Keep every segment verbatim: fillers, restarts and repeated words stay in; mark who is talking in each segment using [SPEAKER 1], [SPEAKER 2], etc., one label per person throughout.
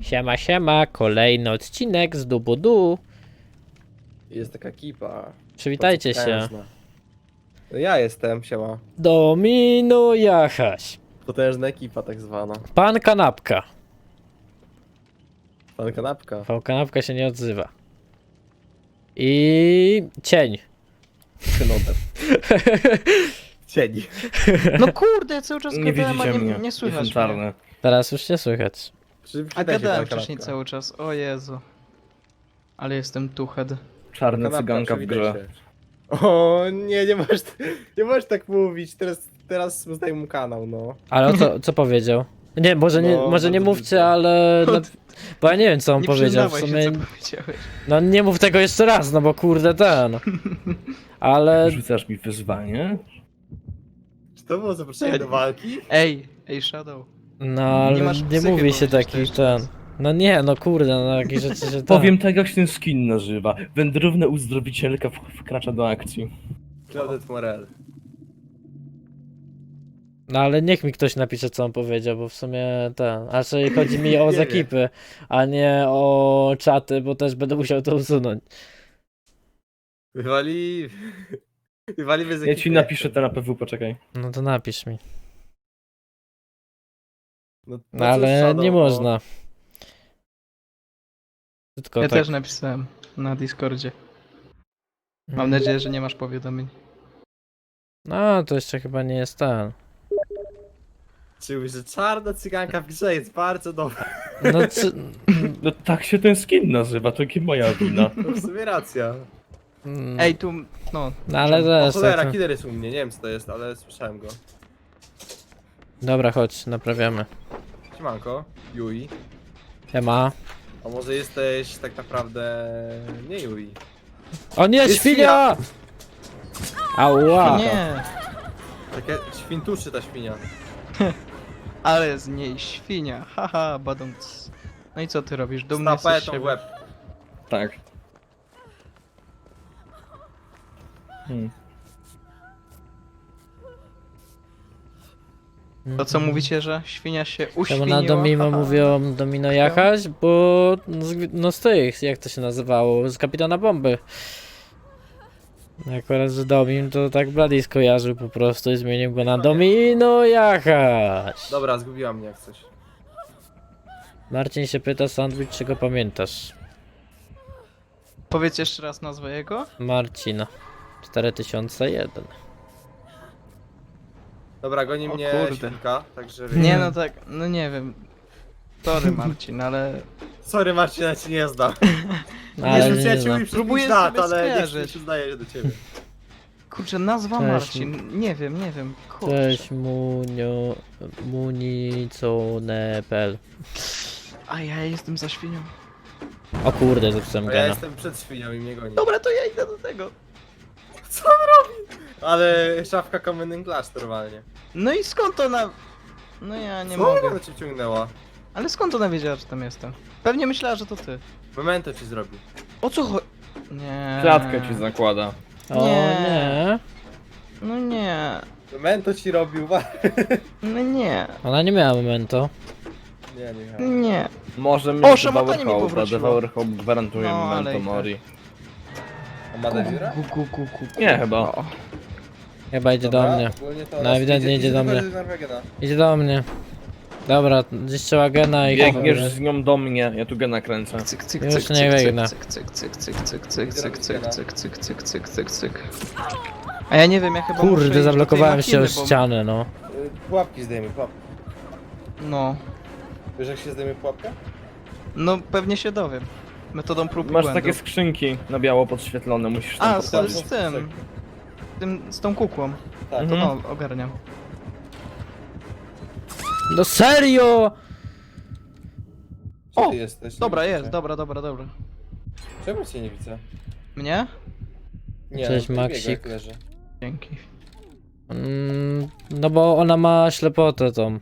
[SPEAKER 1] Siema, siema, kolejny odcinek z Dubudu.
[SPEAKER 2] Jest taka ekipa.
[SPEAKER 1] Przywitajcie się.
[SPEAKER 2] Potężna. No ja jestem, siema.
[SPEAKER 1] Domino Jachaś.
[SPEAKER 2] Potężna ekipa tak zwana.
[SPEAKER 1] Pan Kanapka.
[SPEAKER 2] Pan kanapka.
[SPEAKER 1] Pan Kanapka się nie odzywa. I cień.
[SPEAKER 2] Synotem. Cień.
[SPEAKER 3] No kurde, cały czas
[SPEAKER 4] Nie
[SPEAKER 3] gadałem, a
[SPEAKER 4] widzicie
[SPEAKER 3] nie,
[SPEAKER 4] mnie,
[SPEAKER 3] nie słychać
[SPEAKER 4] jestem
[SPEAKER 3] mnie.
[SPEAKER 4] czarny.
[SPEAKER 1] Teraz już nie słychać.
[SPEAKER 2] Czy
[SPEAKER 3] A
[SPEAKER 2] przywitaj się,
[SPEAKER 3] gadałem
[SPEAKER 2] pan
[SPEAKER 3] wcześniej
[SPEAKER 2] kanapka.
[SPEAKER 3] cały czas, o Jezu. Ale jestem tuched.
[SPEAKER 4] Czarny
[SPEAKER 2] Kanapka,
[SPEAKER 4] cyganka w
[SPEAKER 2] przywitaj
[SPEAKER 4] grze.
[SPEAKER 2] się. O nie, nie możesz, nie możesz tak mówić. Teraz, teraz zdaj mu kanał, no.
[SPEAKER 1] Ale o co, co powiedział? Nie, może nie,
[SPEAKER 2] No,
[SPEAKER 1] może nie
[SPEAKER 2] bardzo
[SPEAKER 1] mówcie,
[SPEAKER 2] brzydko.
[SPEAKER 1] ale... No, bo ja nie wiem co on
[SPEAKER 3] Nie
[SPEAKER 1] powiedział w
[SPEAKER 3] przyznawaj
[SPEAKER 1] sumie.
[SPEAKER 3] się, co powiedziałeś.
[SPEAKER 1] No nie mów tego jeszcze raz, no bo kurde ten. Ale...
[SPEAKER 4] Rzucasz mi wyzwanie?
[SPEAKER 2] Czy to było zaproszenie do walki?
[SPEAKER 3] Ej, ej Shadow.
[SPEAKER 1] No ale nie,
[SPEAKER 3] masz psychy
[SPEAKER 1] mówi się
[SPEAKER 3] powiedzieć to
[SPEAKER 1] taki
[SPEAKER 3] jeszcze
[SPEAKER 1] ten.
[SPEAKER 3] raz.
[SPEAKER 1] No nie, no kurde, no jakieś rzeczy się tam.
[SPEAKER 4] Powiem tak, jak się ten skin nazywa. Wędrowna uzdrowicielka w- wkracza do akcji.
[SPEAKER 2] Claudette Morel.
[SPEAKER 1] No ale niech mi ktoś napisze co on powiedział, bo w sumie ten. A raczej chodzi mi o
[SPEAKER 2] Nie
[SPEAKER 1] z
[SPEAKER 2] wiem.
[SPEAKER 1] ekipy, a nie o czaty, bo też będę musiał to usunąć.
[SPEAKER 2] Wywali... Wywali bez
[SPEAKER 4] Ja
[SPEAKER 2] ekipy.
[SPEAKER 4] ci napiszę to na P W, poczekaj.
[SPEAKER 1] No to napisz mi.
[SPEAKER 2] No,
[SPEAKER 1] No
[SPEAKER 2] cóż,
[SPEAKER 1] ale
[SPEAKER 2] Shadow,
[SPEAKER 1] nie
[SPEAKER 2] no.
[SPEAKER 1] można. Tylko
[SPEAKER 3] Ja
[SPEAKER 1] tak.
[SPEAKER 3] też napisałem na Discordzie. Mam
[SPEAKER 1] Mm.
[SPEAKER 3] nadzieję, że nie masz powiadomień.
[SPEAKER 1] No to jeszcze chyba nie jest ten.
[SPEAKER 2] Czyli, że czarna cyganka w grze jest bardzo dobra.
[SPEAKER 1] No czy...
[SPEAKER 4] No tak się ten skin nazywa, to nie moja wina.
[SPEAKER 2] No w sumie racja.
[SPEAKER 1] Mm,
[SPEAKER 3] Ej, tu, no.
[SPEAKER 1] no ale
[SPEAKER 2] O
[SPEAKER 1] też.
[SPEAKER 2] cholera,
[SPEAKER 1] Tak,
[SPEAKER 2] killer jest u mnie, nie wiem co to jest, ale słyszałem go.
[SPEAKER 1] dobra, chodź, naprawiamy.
[SPEAKER 2] Siemanko, Yui.
[SPEAKER 1] Siema.
[SPEAKER 2] A może jesteś tak naprawdę nie Yui?
[SPEAKER 1] O nie,
[SPEAKER 2] Jest
[SPEAKER 1] świnia! Ała!
[SPEAKER 3] Nie,
[SPEAKER 2] Takie świntuszy ta świnia.
[SPEAKER 3] ale z niej świnia, haha, badąc. No i co ty robisz? Dumny
[SPEAKER 2] Z
[SPEAKER 3] jesteś z
[SPEAKER 2] tapetą w
[SPEAKER 3] siebie.
[SPEAKER 2] łeb.
[SPEAKER 4] Tak. Hmm.
[SPEAKER 3] To co mówicie, że świnia się
[SPEAKER 1] Czemu
[SPEAKER 3] uświniła?
[SPEAKER 1] na Domino
[SPEAKER 3] Haha.
[SPEAKER 1] mówią Domino Jachaś? Bo no z, no z tych, jak to się nazywało, z Kapitana Bomby. Akurat, że Domin to tak Blady skojarzył po prostu i zmienił go na Domino Jachaś.
[SPEAKER 2] Dobra, zgubiła mnie jak coś.
[SPEAKER 1] Marcin się pyta, Sandwich, czy go pamiętasz?
[SPEAKER 3] Powiedz jeszcze raz nazwę jego?
[SPEAKER 1] Marcin. cztery tysiące jeden.
[SPEAKER 2] Dobra, goni
[SPEAKER 3] O
[SPEAKER 2] mnie
[SPEAKER 3] kurde.
[SPEAKER 2] świnka, także...
[SPEAKER 3] Nie no tak, no nie wiem. Sorry Marcin, ale
[SPEAKER 2] Sorry Marcin, ja ci nie znam.
[SPEAKER 1] Ale
[SPEAKER 2] nie
[SPEAKER 1] nie
[SPEAKER 2] rzucę ci
[SPEAKER 1] znam.
[SPEAKER 2] mój
[SPEAKER 3] Próbuję
[SPEAKER 2] przez lat,
[SPEAKER 3] sobie
[SPEAKER 2] ale nie
[SPEAKER 3] skojarzyć.
[SPEAKER 2] przyznaję się do ciebie.
[SPEAKER 3] kurczę, nazwa
[SPEAKER 1] Cześć.
[SPEAKER 3] Marcin. Nie wiem, nie wiem. Kurczę.
[SPEAKER 1] Cześć, Munio... Municone.pl.
[SPEAKER 3] A ja jestem za świnią.
[SPEAKER 1] O kurde, zepsułem
[SPEAKER 2] Bo ja
[SPEAKER 1] gena.
[SPEAKER 2] jestem przed świnią i mnie goni.
[SPEAKER 3] Dobra, to ja idę do tego.
[SPEAKER 2] Co on robi? Ale szafka Common Clash normalnie.
[SPEAKER 3] No i skąd ona... No ja nie
[SPEAKER 2] Co
[SPEAKER 3] mogę.
[SPEAKER 2] ona cię ciągnęła?
[SPEAKER 3] Ale skąd ona wiedziała, że tam jestem? Pewnie myślała, że to ty.
[SPEAKER 2] Memento ci zrobił.
[SPEAKER 3] O co chodzi? Nie.
[SPEAKER 4] Klatkę ci zakłada.
[SPEAKER 1] O
[SPEAKER 3] Nie.
[SPEAKER 1] nie.
[SPEAKER 3] No nie.
[SPEAKER 2] Memento ci robił, wa-
[SPEAKER 3] No nie.
[SPEAKER 1] Ona nie miała momento.
[SPEAKER 2] Nie, nie miałem.
[SPEAKER 3] Nie.
[SPEAKER 4] Może
[SPEAKER 3] O,
[SPEAKER 4] mieć
[SPEAKER 3] szamotanie mi
[SPEAKER 4] Devour Hope, a
[SPEAKER 3] powróciło.
[SPEAKER 4] Devour Hope gwarantuje
[SPEAKER 3] No, ale
[SPEAKER 4] Memento
[SPEAKER 3] i tak.
[SPEAKER 4] Mori.
[SPEAKER 2] A ma Devira?
[SPEAKER 3] Ku, ku, ku, ku.
[SPEAKER 4] Nie, chyba.
[SPEAKER 3] O.
[SPEAKER 1] Chyba idzie do mnie. No, ewidentnie idzie do mnie. Idzie do mnie. Dobra, zniszczyła gena i...
[SPEAKER 4] Biegniesz z nią do mnie, ja tu gena kręcę.
[SPEAKER 3] Cyk, cyk,
[SPEAKER 1] Już
[SPEAKER 3] cyk,
[SPEAKER 1] nie
[SPEAKER 3] cyk,
[SPEAKER 1] biegnę.
[SPEAKER 3] cyk, cyk, cyk, cyk, cyk, cyk, cyk, cyk, cyk, cyk, cyk, cyk, cyk, cyk. A ja nie wiem, ja chyba muszę iść do
[SPEAKER 1] Kurde,
[SPEAKER 3] tej
[SPEAKER 1] zablokowałem się o
[SPEAKER 3] machiny, bo-
[SPEAKER 1] ścianę, no.
[SPEAKER 2] Pułapki zdejmij, pułapki.
[SPEAKER 3] No.
[SPEAKER 2] Wiesz jak się zdejmie pułapkę?
[SPEAKER 3] No pewnie się dowiem. Metodą prób i
[SPEAKER 4] Masz
[SPEAKER 3] błędów.
[SPEAKER 4] takie skrzynki na biało podświetlone, musisz tam
[SPEAKER 3] A, z,
[SPEAKER 4] podchodzić.
[SPEAKER 3] z tym. tym. Z tą kukłą.
[SPEAKER 2] Tak.
[SPEAKER 3] To
[SPEAKER 4] Mhm.
[SPEAKER 3] no, ogarniam.
[SPEAKER 1] No serio!
[SPEAKER 2] Gdzie
[SPEAKER 3] O,
[SPEAKER 2] ty jesteś? Nie
[SPEAKER 3] Dobra,
[SPEAKER 2] widzę
[SPEAKER 3] jest,
[SPEAKER 2] cię.
[SPEAKER 3] dobra, dobra, dobra.
[SPEAKER 2] Czemu cię nie widzę?
[SPEAKER 3] Mnie?
[SPEAKER 2] Nie,
[SPEAKER 1] Cześć,
[SPEAKER 2] no,
[SPEAKER 1] Maksik.
[SPEAKER 2] biega, jak leży.
[SPEAKER 3] Dzięki.
[SPEAKER 1] Mm, no bo ona ma ślepotę tą.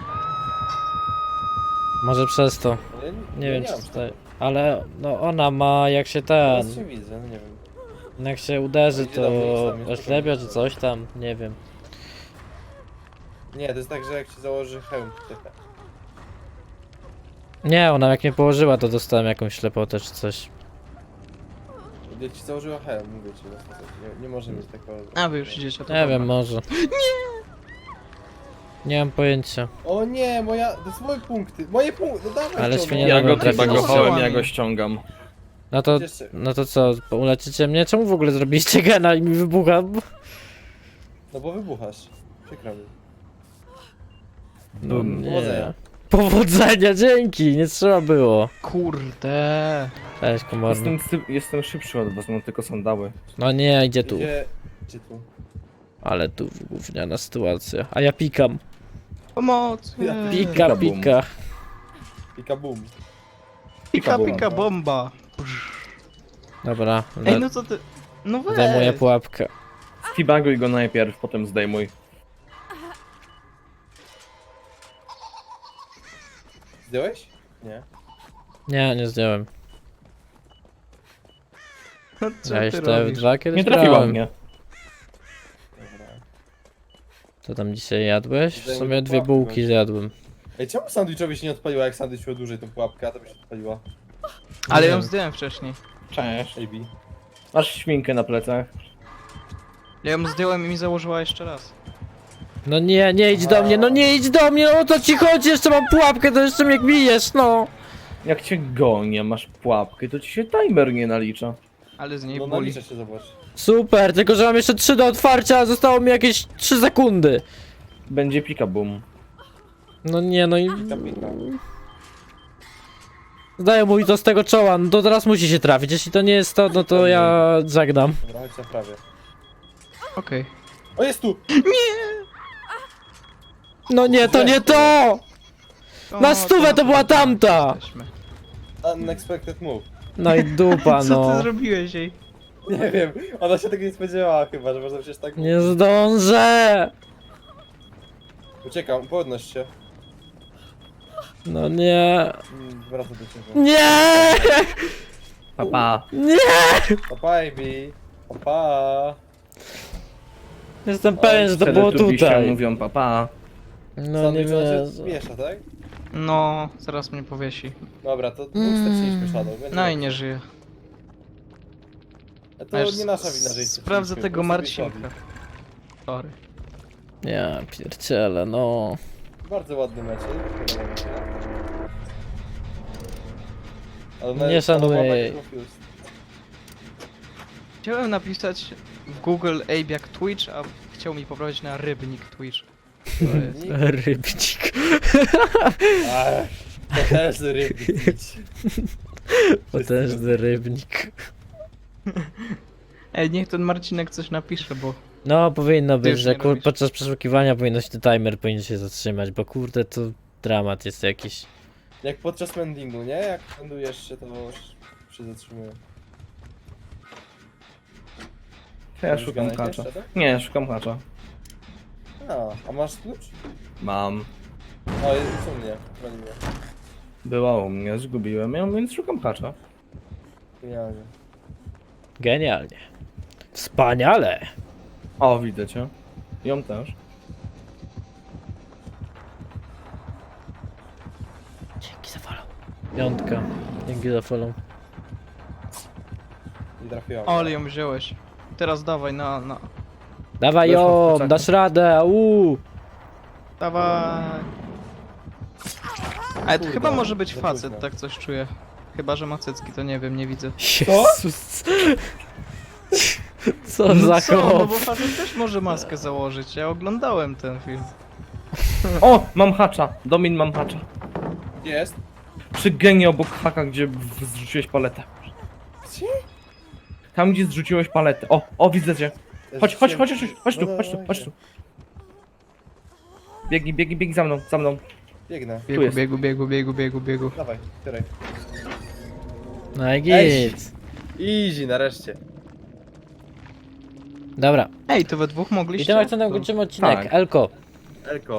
[SPEAKER 1] Może przez to.
[SPEAKER 2] Ale
[SPEAKER 1] Nie
[SPEAKER 2] ja
[SPEAKER 1] wiem
[SPEAKER 2] nie
[SPEAKER 1] czy
[SPEAKER 2] mam
[SPEAKER 1] tutaj. Ale no ona ma jak się ten.
[SPEAKER 2] Teraz cię widzę, no nie wiem.
[SPEAKER 1] Jak się uderzy
[SPEAKER 2] Idzie
[SPEAKER 1] to
[SPEAKER 2] do mnie, jest tam, jest
[SPEAKER 1] oślepia
[SPEAKER 2] tam.
[SPEAKER 1] czy coś tam, nie wiem.
[SPEAKER 2] Nie, to jest tak, że jak ci założy hełm. to-
[SPEAKER 1] Nie, ona jak mnie położyła, to dostałem jakąś ślepotę czy coś.
[SPEAKER 2] Ja ci założyła he, mówię ci. Nie, nie może mieć takiego...
[SPEAKER 3] A wy już idziecie, to
[SPEAKER 1] Nie
[SPEAKER 3] dobra.
[SPEAKER 1] wiem, może. Nie! Nie mam pojęcia.
[SPEAKER 2] O nie, moja... To są moje punkty. Moje punkty, no dawaj
[SPEAKER 1] Ale
[SPEAKER 2] to,
[SPEAKER 1] świnia
[SPEAKER 2] no.
[SPEAKER 4] Ja go
[SPEAKER 1] trafić.
[SPEAKER 4] bagowałem, ja go ściągam.
[SPEAKER 1] No to,
[SPEAKER 2] Jeszcze.
[SPEAKER 1] no to co, uleczycie mnie? Czemu w ogóle zrobiliście gena i mi wybucha?
[SPEAKER 2] No bo wybuchasz. Przykro mi.
[SPEAKER 1] No nie.
[SPEAKER 2] Powodzenia.
[SPEAKER 1] Powodzenia, dzięki, nie trzeba było.
[SPEAKER 3] Kurde.
[SPEAKER 1] Cześć, komorny.
[SPEAKER 4] Jestem, sy- jestem szybszy od was, mam tylko sandały.
[SPEAKER 1] No nie, idzie tu.
[SPEAKER 2] Gdzie... Gdzie tu?
[SPEAKER 1] Ale tu gówniana sytuacja. A ja pikam.
[SPEAKER 3] Pomoc.
[SPEAKER 2] Ja
[SPEAKER 1] Pika,
[SPEAKER 4] Pika, bum.
[SPEAKER 1] pika.
[SPEAKER 2] Pika boom.
[SPEAKER 3] Pika,
[SPEAKER 4] bomba.
[SPEAKER 3] pika, bomba.
[SPEAKER 1] Dobra,
[SPEAKER 3] Ej, no co ty... No weź.
[SPEAKER 1] zajmuję pułapkę.
[SPEAKER 4] Tibaguj go najpierw, potem zdejmuj.
[SPEAKER 2] Zdjąłeś? Nie.
[SPEAKER 1] Nie, nie zdjąłem.
[SPEAKER 3] No co
[SPEAKER 1] Ja
[SPEAKER 3] ty
[SPEAKER 1] jeszcze w
[SPEAKER 3] robisz?
[SPEAKER 1] dwa kiedyś
[SPEAKER 4] Nie trafiła
[SPEAKER 1] grałem.
[SPEAKER 4] mnie.
[SPEAKER 2] Dobra.
[SPEAKER 1] Co tam dzisiaj jadłeś? W
[SPEAKER 2] Zdejmuj
[SPEAKER 1] sumie dwie
[SPEAKER 2] pułapkę,
[SPEAKER 1] bułki
[SPEAKER 2] gościu.
[SPEAKER 1] zjadłem.
[SPEAKER 2] Ej, czemu sandwichowi się nie odpaliła, jak sandwich miał dłużej tą pułapkę, a to by się odpaliła?
[SPEAKER 3] Ale
[SPEAKER 1] Nie
[SPEAKER 3] ją
[SPEAKER 1] wiem.
[SPEAKER 3] zdjąłem wcześniej.
[SPEAKER 4] Cześć.
[SPEAKER 2] A B.
[SPEAKER 4] Masz śminkę na plecach.
[SPEAKER 3] Ja ją zdjąłem i mi założyła jeszcze raz.
[SPEAKER 1] No nie, nie idź do mnie, no nie idź do mnie, no o co ci chodzi? Jeszcze mam pułapkę, to jeszcze mnie bijesz, no.
[SPEAKER 4] Jak cię gonię, masz pułapkę, to ci się timer nie nalicza.
[SPEAKER 3] Ale z niej
[SPEAKER 2] No
[SPEAKER 3] boli.
[SPEAKER 2] nalicza się, zobacz.
[SPEAKER 1] Super, tylko że mam jeszcze trzy do otwarcia, a zostało mi jakieś trzy sekundy.
[SPEAKER 4] Będzie pika boom.
[SPEAKER 1] No nie, no i...
[SPEAKER 2] Pika, pika.
[SPEAKER 1] Zdaję mu i to z tego czoła, no to teraz musi się trafić, jeśli to nie jest to, no to ja zagnam.
[SPEAKER 2] Dobra, chodź na prawie.
[SPEAKER 3] Okej.
[SPEAKER 2] O, jest tu!
[SPEAKER 1] No nie, to nie to!
[SPEAKER 3] O,
[SPEAKER 1] Na stówę to była tamta!
[SPEAKER 3] jesteśmy.
[SPEAKER 2] Unexpected move.
[SPEAKER 1] No i dupa,
[SPEAKER 3] Co
[SPEAKER 1] no.
[SPEAKER 3] ty zrobiłeś jej?
[SPEAKER 2] Nie wiem, ona się tego nie spodziewała chyba, że można przecież tak...
[SPEAKER 1] Nie zdążę!
[SPEAKER 2] Uciekam, podnoś się.
[SPEAKER 1] No nie...
[SPEAKER 2] Mm, Wracam do ciebie.
[SPEAKER 1] Nie!
[SPEAKER 4] Papa.
[SPEAKER 1] Nie!
[SPEAKER 2] Opa, A B. Opa.
[SPEAKER 1] Jestem pewien, że to było
[SPEAKER 4] Teletubisie
[SPEAKER 1] tutaj.
[SPEAKER 4] mówią papa.
[SPEAKER 1] No nie
[SPEAKER 2] Sandwich ona
[SPEAKER 1] wiem.
[SPEAKER 2] się miesza, tak?
[SPEAKER 3] No, zaraz mnie powiesi.
[SPEAKER 2] Dobra, to dwóch
[SPEAKER 1] Mm.
[SPEAKER 2] straciliśmy Shadow. więc
[SPEAKER 3] No i
[SPEAKER 2] dobrze.
[SPEAKER 3] nie żyje.
[SPEAKER 2] A To
[SPEAKER 3] Aż
[SPEAKER 2] nie nasza wina, że ich
[SPEAKER 3] sprawdzę
[SPEAKER 2] straciliśmy,
[SPEAKER 3] tego
[SPEAKER 2] po prostu
[SPEAKER 3] Marcinka.
[SPEAKER 2] Witowi.
[SPEAKER 3] Sorry.
[SPEAKER 1] Ja pierdzielę, no.
[SPEAKER 2] Bardzo ładny mecz. Ale
[SPEAKER 1] Nie
[SPEAKER 2] nawet
[SPEAKER 1] szanuję
[SPEAKER 2] Shadow
[SPEAKER 1] jej.
[SPEAKER 2] ma tak confused.
[SPEAKER 3] Chciałem napisać w Google Abe jak Twitch, a chciał mi poprawić na rybnik Twitch. To jest.
[SPEAKER 1] Rybnik.
[SPEAKER 2] Ach, potężny rybnik.
[SPEAKER 1] Potężny rybnik.
[SPEAKER 3] Ej, niech ten Marcinek coś napisze, bo...
[SPEAKER 1] No, powinno być,
[SPEAKER 3] już
[SPEAKER 1] że
[SPEAKER 3] nie
[SPEAKER 1] kur...
[SPEAKER 3] robisz.
[SPEAKER 1] podczas przeszukiwania powinno się timer powinien się zatrzymać, bo kurde to dramat jest jakiś.
[SPEAKER 2] Jak podczas mendingu, nie? Jak mendujesz się, to się zatrzymuje.
[SPEAKER 4] Ja
[SPEAKER 2] Już
[SPEAKER 4] szukam
[SPEAKER 2] gadaj
[SPEAKER 4] hacza.
[SPEAKER 2] jeszcze, tak?
[SPEAKER 4] Nie, szukam hacza.
[SPEAKER 2] A, a masz klucz?
[SPEAKER 4] Mam.
[SPEAKER 2] O, jest u mnie. Broni mnie.
[SPEAKER 4] Była u mnie, zgubiłem ją, więc szukam hacza.
[SPEAKER 2] Genialnie.
[SPEAKER 1] Genialnie. Wspaniale.
[SPEAKER 4] O, widzę cię. Ją też.
[SPEAKER 1] Dzięki za follow. Piątka. Dzięki za follow.
[SPEAKER 2] Nie trafiłam.
[SPEAKER 3] O, ale ją wziąłeś. Teraz dawaj na... na...
[SPEAKER 1] Dawaj
[SPEAKER 4] Weszła w
[SPEAKER 1] ją,
[SPEAKER 4] kurczaka.
[SPEAKER 1] dasz radę, uuu.
[SPEAKER 3] Dawaj. Ale to
[SPEAKER 2] Kurde,
[SPEAKER 3] chyba może być
[SPEAKER 2] za
[SPEAKER 3] facet,
[SPEAKER 2] późno.
[SPEAKER 3] tak coś czuję. Chyba, że ma cycki, to nie wiem, nie widzę.
[SPEAKER 1] Jezus. Co za
[SPEAKER 3] co? No
[SPEAKER 1] chłop.
[SPEAKER 3] bo facet też może maskę założyć, ja oglądałem ten film.
[SPEAKER 4] O, mam hacza. Domin, mam hacza.
[SPEAKER 2] Gdzie jest?
[SPEAKER 4] Przy genie obok haka, gdzie w- zrzuciłeś paletę.
[SPEAKER 2] Gdzie?
[SPEAKER 4] Tam, gdzie zrzuciłeś paletę. O, o, widzę cię. Chodź, chodź, chodź, chodź, chodź tu,
[SPEAKER 2] No,
[SPEAKER 4] chodź tu,
[SPEAKER 2] no,
[SPEAKER 4] chodź tu. Biegnij, biegnij, biegnij za mną, za mną.
[SPEAKER 2] Biegnę.
[SPEAKER 3] Biegu,
[SPEAKER 4] jest.
[SPEAKER 3] biegu, biegu, biegu, biegu, biegu.
[SPEAKER 2] Dawaj, której?
[SPEAKER 1] No i
[SPEAKER 2] Ej.
[SPEAKER 1] git.
[SPEAKER 2] Easy, nareszcie.
[SPEAKER 1] Dobra.
[SPEAKER 3] Ej, to we dwóch mogliście?
[SPEAKER 1] I tym akcentem
[SPEAKER 3] To-
[SPEAKER 1] kończymy odcinek.
[SPEAKER 4] Tak.
[SPEAKER 1] Elko.
[SPEAKER 2] Elko.